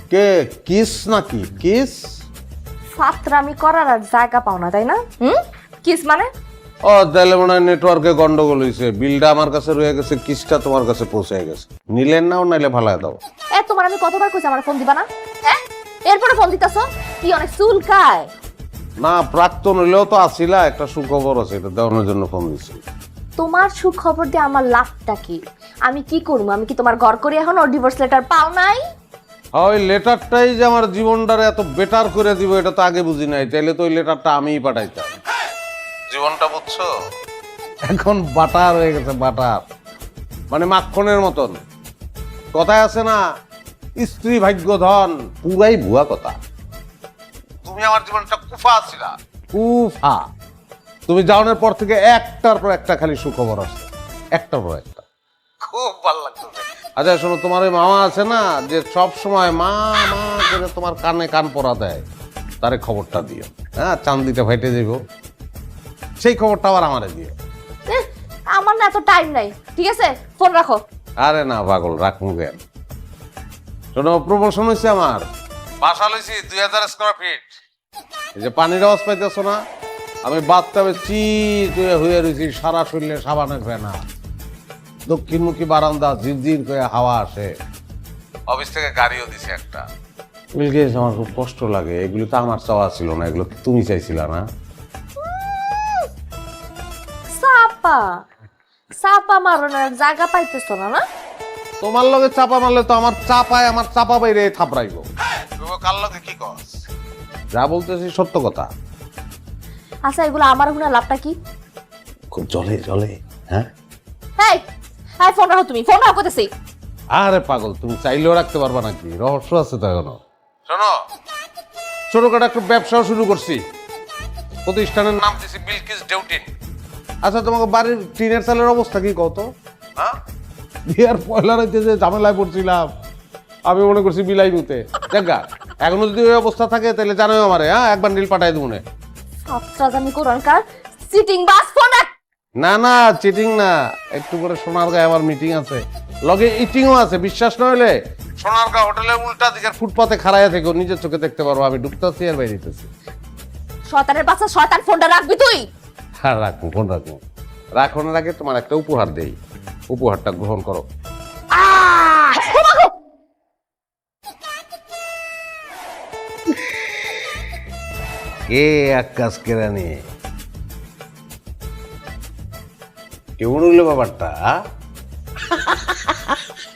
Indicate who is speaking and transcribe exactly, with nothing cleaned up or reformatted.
Speaker 1: কে kiss নাকি kiss?
Speaker 2: ফাতরামি করার আর জায়গা পাও না তাই না? হুম কিস মানে?
Speaker 1: ও তাহলে মনে হয় নেটওয়ার্কে গন্ডগোল হয়েছে, বিলটা আমার কাছে রয়ে গেছে, কিসটা তোমার কাছে পৌঁছে গেছে। নিলেন নাও নাইলে ভালাই দাও।
Speaker 2: এ তোমার আমি কতবার কইছি আমার ফোন দিবা না? হ্যাঁ এরপরে ফোন দিতাছো কি অনেক চুলকায়?
Speaker 1: না প্রাক্তন হইলেও তো আসিলা, একটা সুখবর আছে, এটা দেওয়ানোর জন্য ফোন দিচ্ছি।
Speaker 2: তোমার সুখবর দিয়ে আমার লাভটা কি? আমি কি করবো? আমি কি তোমার ঘর করি এখন ওর ডিভোর্স লেটার পাও নাই?
Speaker 1: ওই লেটারটাই যে আমার জীবনটারে এত বেটার করে দিব এটা তো আগে বুঝি নাই, তাইলে তো ওই লেটারটা আমিই পাঠাইতাম। জীবনটা বুঝছো, এখন বাটার হয়ে গেছে, বাটার মানে মাখনের মতন। কথায় আছে না, স্ত্রী ভাগ্য ধন, পুরাই ভুয়া কথা। তুমি আমার জীবনটা কুফা ছিলা, কুফা। তুমি যাওয়ার পর থেকে একটার পর একটা খালি সুখবর আসছে, একটার পর একটা, খুব ভালো লাগতো। আচ্ছা শোনো, তোমার ওই মামা আছে না যে সব সময় মা মা করে তোমার কানে কান পরা দেয়, তারে খবরটা দিও। হ্যাঁ, চান্দিটা ফেটে যাব, সেই খবরটা আবার আমারে দিও।
Speaker 2: এহ, আমার না এত টাইম নাই, ঠিক আছে ফোন রাখো।
Speaker 1: আরে না পাগল, রাখবো কেন? শোনো, প্রমোশন হয়েছে আমার, বাসা লইছি দুই হাজার স্কোয়ার ফিট। এই যে পানির আওয়াজ পাইতেছো না, আমি বাথটাবে চিত হয়ে হয়ে রয়েছি, সারা শরীরে সাবানের ফেনা, দক্ষিণমুখী বারান্দা, ঝিরঝির করে হাওয়া আসে। অফিস থেকে গাড়িও দিছে একটা। বিলগেস, আমার খুব কষ্ট লাগে, এগুলো তো আমার চাওয়া ছিল না, এগুলো কি তুমি চাইছিলা না?
Speaker 2: সাপা সাপা মারনের জায়গা পাইতেছ না না?
Speaker 1: তোমার লগে চাপা মারলে তো আমার চাপায় আমার চাপা বাইরে থাপড়াইব। কার লগে কি কস? যা বলতেছি সত্য কথা।
Speaker 2: আচ্ছা এগুলো আমার হুনা লাভটা কি?
Speaker 1: খুব জলে জলে। হ্যাঁ
Speaker 2: এই এই ফোন রাখো, তুমি ফোন রাখো কইতেছি।
Speaker 1: আরে পাগল, তুমি চাইলেও রাখতে পারবা নাকি? রহস্য আছে তো এখনো। শোনো, ছোটখাটো একটা ব্যবসাও শুরু করছি, প্রতিষ্ঠানের নাম দিয়েছি বিলকিস ডেউটিন। আচ্ছা, তোমাকে বাড়ির টিনের চালের অবস্থা কি কত? হ্যাঁ, বিয়ার পয়লা রাইতে যে ঝামেলায় পড়ছিলাম, আমি মনে করছি বিলাই মুতে। দেখা এখনো যদি ওই অবস্থা থাকে তাহলে জানোই আমারে। হ্যাঁ, একবার নীল পাঠাই দেবো।
Speaker 2: সাতটা জানি কোরআনকার সিটিং বাস ফোন রাখ।
Speaker 1: না না, চিটিং না, একটু করে সোনারগাঁয়ে আমার মিটিং আছে, লগে ইটিংও আছে। বিশ্বাস না হলে সোনারগাঁ হোটেলের উল্টা দিকের ফুটপাতে খাড়াইয়া থেকে নিজের চোখে দেখতে পারবো আমি ঢুকতেছি আর বাইরেতেছি।
Speaker 2: শয়তানের বাচ্চা, শয়তান ফোনটা রাখবি তুই।
Speaker 1: হ্যাঁ রাখবো, ফোন রাখবো। রাখনের আগে তোমার একটা উপহার দেই, উপহারটা গ্রহণ করো। কে আকাশ কেরানি, কেমন হইলো ব্যাপারটা?